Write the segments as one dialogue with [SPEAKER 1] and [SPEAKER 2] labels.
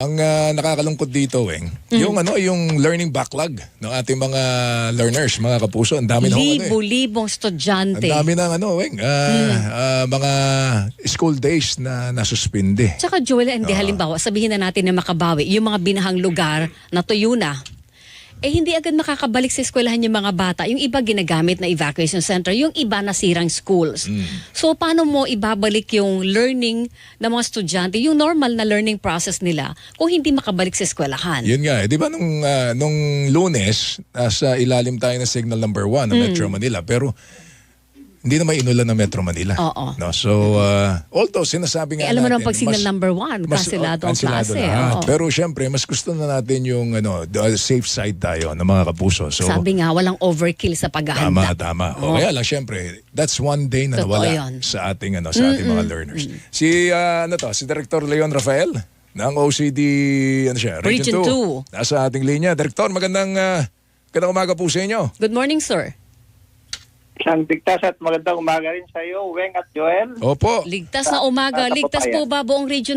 [SPEAKER 1] Ang nakakalungkot dito, Weng, yung learning backlog ng ating mga learners, mga kapuso, ang dami ng
[SPEAKER 2] Libo-libong estudyante.
[SPEAKER 1] ang dami ng Weng, mga school days na nasuspinde.
[SPEAKER 2] Tsaka Joel, hindi halimbawa, sabihin na natin na makabawi, yung mga binahang lugar na tuyo na, hindi agad makakabalik sa eskwelahan yung mga bata. Yung iba ginagamit na evacuation center, yung iba nasirang schools. So paano mo ibabalik yung learning ng mga estudyante, yung normal na learning process nila kung hindi makabalik sa eskwelahan?
[SPEAKER 1] Yun nga, di ba nung Lunes, nasa ilalim tayo ng signal number 1 ng Metro Manila, pero hindi na may inulan ng Metro Manila.
[SPEAKER 2] Oo.
[SPEAKER 1] No? So, although sinasabi nga
[SPEAKER 2] alam mo
[SPEAKER 1] natin,
[SPEAKER 2] naman pag signal number 1, kansilado ang klase.
[SPEAKER 1] Pero syempre, mas gusto na natin yung safe side tayo ng mga kapuso. So,
[SPEAKER 2] sabi nga, walang overkill sa paghahanda.
[SPEAKER 1] Tama. O kaya lang, syempre, that's one day na
[SPEAKER 2] Totoo
[SPEAKER 1] nawala
[SPEAKER 2] yun.
[SPEAKER 1] sa ating, sa ating mga learners. Si Director Leon Rafael ng OCD, Region 2. Nasa ating linya. Director, magandang umaga po sa inyo.
[SPEAKER 2] Good morning, sir.
[SPEAKER 3] Isang ligtas at magandang umaga rin sa iyo, Weng at Joel.
[SPEAKER 1] Opo.
[SPEAKER 2] Ligtas na umaga. Ligtas po ba buong Region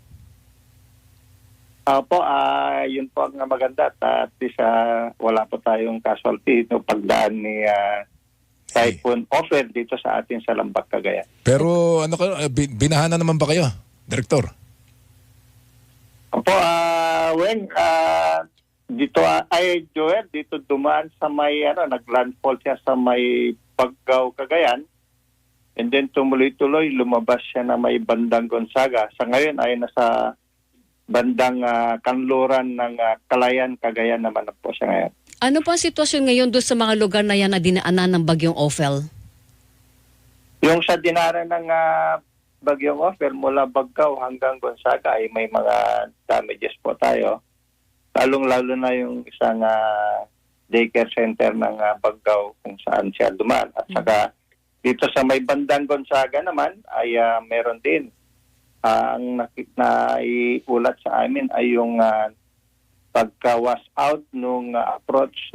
[SPEAKER 2] 2?
[SPEAKER 3] Opo, yun po ang maganda at least wala po tayong casualty no pagdaan ni Typhoon Ophel dito sa atin sa Lambak, Cagayan.
[SPEAKER 1] Pero binahan na naman ba kayo, Director?
[SPEAKER 3] Opo, Weng, dito Joel, dito dumaan sa may naglandfall siya sa may Paggaw, Cagayan. And then tumuloy-tuloy lumabas siya na may bandang Gonzaga. Sa ngayon ay nasa bandang kanluran ng Kalayan, Cagayan naman po siya ngayon.
[SPEAKER 2] Ano po ang sitwasyon ngayon doon sa mga lugar na yan na dinaanan ng bagyong Ophel?
[SPEAKER 3] Yung sa dinaanan ng bagyong Ophel mula Baggaw hanggang Gonzaga ay may mga damages po tayo. Lalong-lalo na yung isang daycare center ng Baggaw kung saan siya dumaan. At saka dito sa may bandang Gonzaga naman ay meron din. Ang naiulat sa amin ay yung pagka-wash out nung approach.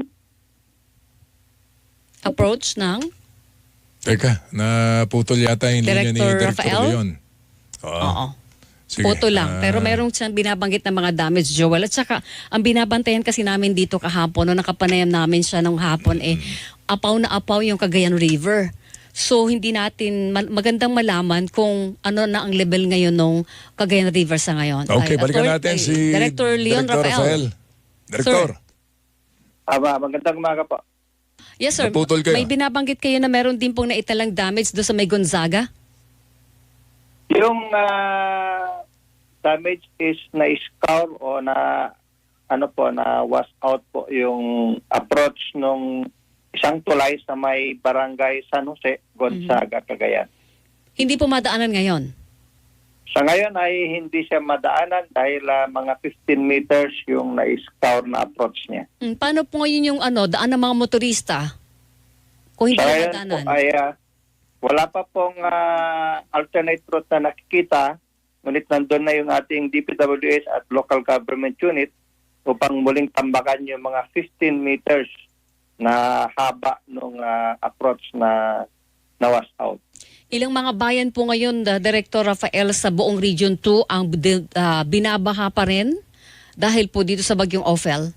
[SPEAKER 2] Approach ng?
[SPEAKER 1] Teka, naputol yata yung linya ni Director
[SPEAKER 2] Rafael?
[SPEAKER 1] Leon.
[SPEAKER 2] Oo.
[SPEAKER 1] Sige.
[SPEAKER 2] Photo lang. Pero merong siyang binabanggit na mga damage, Joel. At saka, ang binabantayan kasi namin dito kahapon, nung nakapanayam namin siya nung hapon, apaw na apaw yung Cagayan River. So, hindi natin magandang malaman kung ano na ang level ngayon ng Cagayan River sa ngayon.
[SPEAKER 1] Okay, balikan natin si
[SPEAKER 2] Director Leon Rafael.
[SPEAKER 1] Director.
[SPEAKER 3] Magandang umaga po.
[SPEAKER 2] Yes, sir.
[SPEAKER 1] Naputol kayo.
[SPEAKER 2] May binabanggit kayo na meron din pong naitalang damage doon sa may Gonzaga?
[SPEAKER 3] Yung damage is na-scour o na wash out po yung approach nung isang tulay sa may barangay San Jose, Gonzaga, Cagayan.
[SPEAKER 2] Hindi po madaanan ngayon?
[SPEAKER 3] Sa ngayon ay hindi siya madaanan dahil mga 15 meters yung na-scour na approach niya.
[SPEAKER 2] Paano po ngayon yung daan ng mga motorista? Kung hindi
[SPEAKER 3] Sa
[SPEAKER 2] na
[SPEAKER 3] ngayon
[SPEAKER 2] madaanan?
[SPEAKER 3] po ay wala pa pong alternate route na nakikita, ngunit nandun na yung ating DPWH at local government unit upang muling tambakan yung mga 15 meters na haba ng approach na wash out.
[SPEAKER 2] Ilang mga bayan po ngayon, Director Rafael, sa buong Region 2 ang binabaha pa rin dahil po dito sa bagyong Ophel?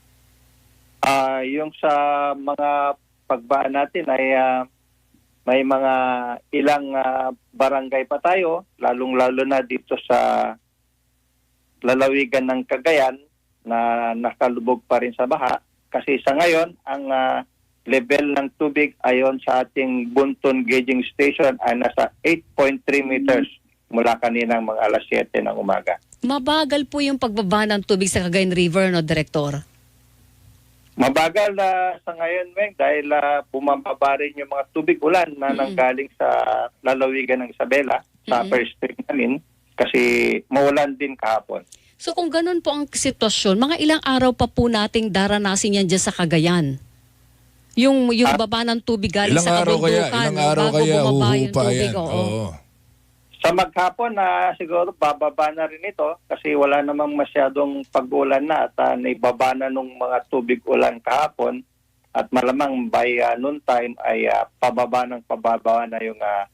[SPEAKER 3] Yung sa mga pagbaan natin ay may mga ilang barangay pa tayo, lalong-lalo na dito sa lalawigan ng Cagayan na nakalubog pa rin sa baha. Kasi sa ngayon, ang level ng tubig ayon sa ating Bunton Gauging Station ay nasa 8.3 meters mula kaninang mga alas 7 ng umaga.
[SPEAKER 2] Mabagal po yung pagbaba ng tubig sa Cagayan River, no, Director?
[SPEAKER 3] Mabagal sa ngayon, Meng, dahil bumababa rin yung mga tubig ulan na nanggaling sa lalawigan ng Isabela, sa upper stream namin, kasi maulan din kahapon.
[SPEAKER 2] So kung ganun po ang sitwasyon, mga ilang araw pa po nating daranasin yan dyan sa Cagayan? Yung baba ng tubig galing sa kabundukan,
[SPEAKER 1] ilang araw
[SPEAKER 2] bago
[SPEAKER 1] kaya
[SPEAKER 2] bumaba yung
[SPEAKER 1] huhupa
[SPEAKER 2] tubig.
[SPEAKER 1] yan?
[SPEAKER 2] Oo.
[SPEAKER 3] Sa maghapon siguro bababa na rin ito kasi wala namang masyadong pag-ulan na at naibaba na nung mga tubig ulan kahapon at malamang by noon time ay pababa na yung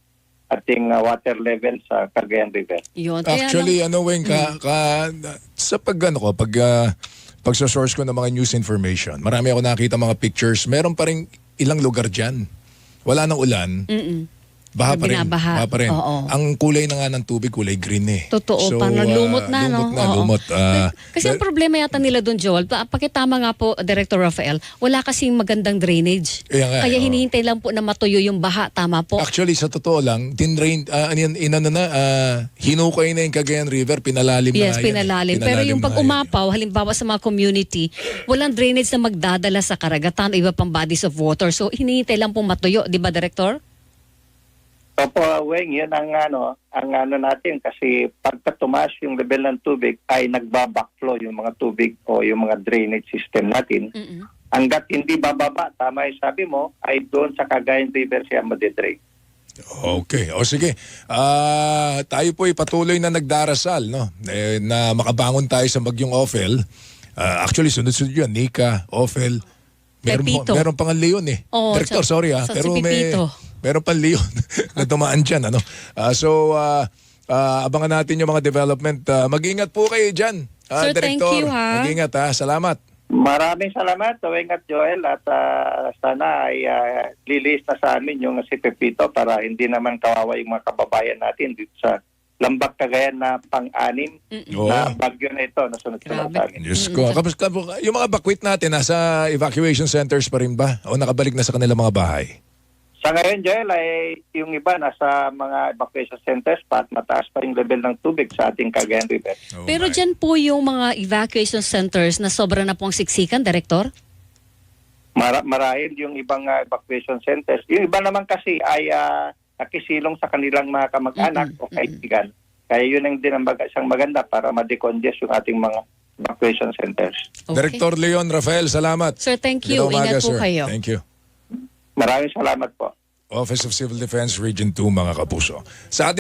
[SPEAKER 3] ating water level sa Cagayan River.
[SPEAKER 2] Yun. Kaya
[SPEAKER 1] Actually, Weng, sa pagsa-source ko ng mga news information, marami ako nakita mga pictures. Meron pa rin ilang lugar dyan. Wala nang ulan. Baha pa rin.
[SPEAKER 2] Binabaha.
[SPEAKER 1] Baha pa rin.
[SPEAKER 2] Oo.
[SPEAKER 1] Ang kulay na nga ng tubig, kulay green eh.
[SPEAKER 2] Totoo, parang lumot na, no? Oo.
[SPEAKER 1] Lumot.
[SPEAKER 2] Kasi ang problema yata nila doon, Joel, pakitama nga po, Director Rafael, wala kasing magandang drainage. Kaya hinihintay lang po na matuyo yung baha, tama po?
[SPEAKER 1] Actually, sa totoo lang, hinukay na yung Cagayan River, pinalalim na
[SPEAKER 2] Yes,
[SPEAKER 1] yan.
[SPEAKER 2] pinalalim. Pero yung pag umapaw, halimbawa sa mga community, walang drainage na magdadala sa karagatan o iba pang bodies of water. So, hinihintay lang po matuyo, di ba, Director?
[SPEAKER 3] Opo, Weng, yun ang natin kasi pagka tumaas yung level ng tubig ay nagbabackflow yung mga tubig o yung mga drainage system natin. Hanggat hindi bababa, tama yung sabi mo, ay doon sa Cagayan River siya madidrain.
[SPEAKER 1] Okay. O sige. Tayo po patuloy na nagdarasal, no? Na makabangon tayo sa bagyong Ophel. Actually, sunod-sunod yun. Nika, Ophel.
[SPEAKER 2] Pepito.
[SPEAKER 1] Meron pang Leon eh.
[SPEAKER 2] Oo,
[SPEAKER 1] Director, sorry
[SPEAKER 2] sa
[SPEAKER 1] pero
[SPEAKER 2] si Pepito.
[SPEAKER 1] meron pang Leon na dumaan dyan. Abangan natin yung mga development. Mag-ingat po kayo dyan.
[SPEAKER 2] Sir,
[SPEAKER 1] Director,
[SPEAKER 2] thank you, ha?
[SPEAKER 1] Mag-ingat Salamat.
[SPEAKER 3] Maraming salamat, Weng at Joel, at sana ay lilis na sa amin yung si Pepito para hindi naman kawawa yung mga kababayan natin dito sa Lambak, Cagayan na pang-anim na bagyo na ito na sunod-sunod sa amin.
[SPEAKER 1] Diyos ko. Yung mga bakwit natin, nasa evacuation centers pa rin ba? O nakabalik na sa kanilang mga bahay?
[SPEAKER 3] Sa ngayon, Joel, ay yung iba nasa mga evacuation centers pa at mataas pa yung level ng tubig sa ating Cagayan River.
[SPEAKER 2] Pero dyan po yung mga evacuation centers na sobra na pong siksikan, Director?
[SPEAKER 3] Marahil yung ibang evacuation centers. Yung iba naman kasi ay nakisilong sa kanilang mga kamag-anak o kaibigan. Kaya yun ang din ang isang maganda para ma-decongest yung ating mga evacuation centers.
[SPEAKER 2] Okay.
[SPEAKER 1] Director Leon Rafael, salamat.
[SPEAKER 2] Sir, thank you.
[SPEAKER 1] Magandang umaga,
[SPEAKER 2] Ingat po
[SPEAKER 1] sir.
[SPEAKER 2] kayo.
[SPEAKER 1] Thank you.
[SPEAKER 3] Maraming salamat po.
[SPEAKER 1] Office of Civil Defense Region 2, mga kapuso. Sa ating